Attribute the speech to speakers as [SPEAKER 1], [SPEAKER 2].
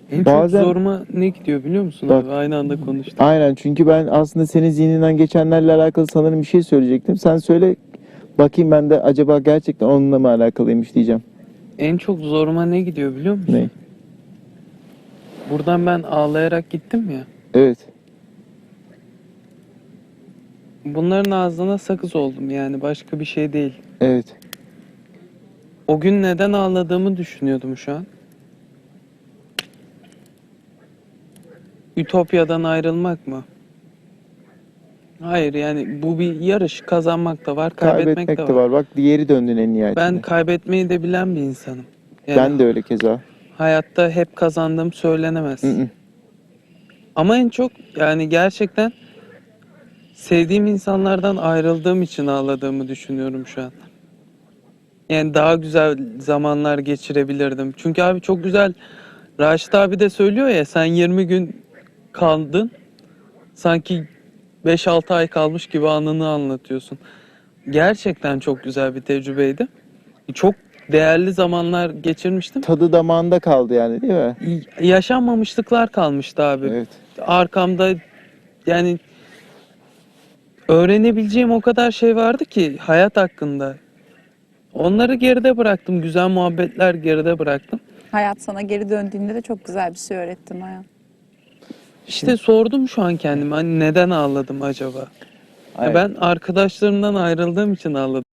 [SPEAKER 1] En çok
[SPEAKER 2] Bazen
[SPEAKER 1] zoruma ne gidiyor biliyor musun
[SPEAKER 2] bak,
[SPEAKER 1] abi? Aynı anda konuştuk.
[SPEAKER 2] aynen, çünkü ben aslında senin zihninden geçenlerle alakalı sanırım bir şey söyleyecektim. Sen söyle bakayım, ben de acaba gerçekten onunla mı alakalıymış diyeceğim.
[SPEAKER 1] En çok zoruma ne gidiyor biliyor musun?
[SPEAKER 2] Ne?
[SPEAKER 1] Buradan ben ağlayarak gittim ya.
[SPEAKER 2] Evet.
[SPEAKER 1] Bunların ağzına sakız oldum yani başka bir şey değil.
[SPEAKER 2] Evet.
[SPEAKER 1] O gün neden ağladığımı düşünüyordum şu an. Ütopya'dan ayrılmak mı? Hayır yani bu bir yarış. Kazanmak da var, kaybetmek
[SPEAKER 2] Kaybetmek
[SPEAKER 1] de
[SPEAKER 2] de
[SPEAKER 1] var.
[SPEAKER 2] var. Bak, diğeri döndün en
[SPEAKER 1] Ben
[SPEAKER 2] nihayetinde.
[SPEAKER 1] kaybetmeyi de bilen bir insanım. Yani
[SPEAKER 2] Ben de öyle keza.
[SPEAKER 1] hayatta hep kazandığım söylenemez.
[SPEAKER 2] Hı.
[SPEAKER 1] Ama en çok yani gerçekten sevdiğim insanlardan ayrıldığım için ağladığımı düşünüyorum şu an. Yani daha güzel zamanlar geçirebilirdim. Çünkü abi çok güzel. Raşit abi de söylüyor ya, sen 20 gün kaldın. Sanki 5-6 ay kalmış gibi anını anlatıyorsun. Gerçekten çok güzel bir tecrübeydi. Çok değerli zamanlar geçirmiştim.
[SPEAKER 2] Tadı damağında kaldı yani, değil mi?
[SPEAKER 1] Yaşanmamışlıklar kalmıştı abi.
[SPEAKER 2] Evet.
[SPEAKER 1] Arkamda yani öğrenebileceğim o kadar şey vardı ki hayat hakkında. Onları geride bıraktım. Güzel muhabbetler geride bıraktım.
[SPEAKER 3] Hayat sana geri döndüğünde de çok güzel bir şey öğrettin Noyan.
[SPEAKER 1] İşte sordum şu an kendime, hani neden ağladım acaba? Ya
[SPEAKER 2] Aynen.
[SPEAKER 1] ben arkadaşlarımdan ayrıldığım için ağladım.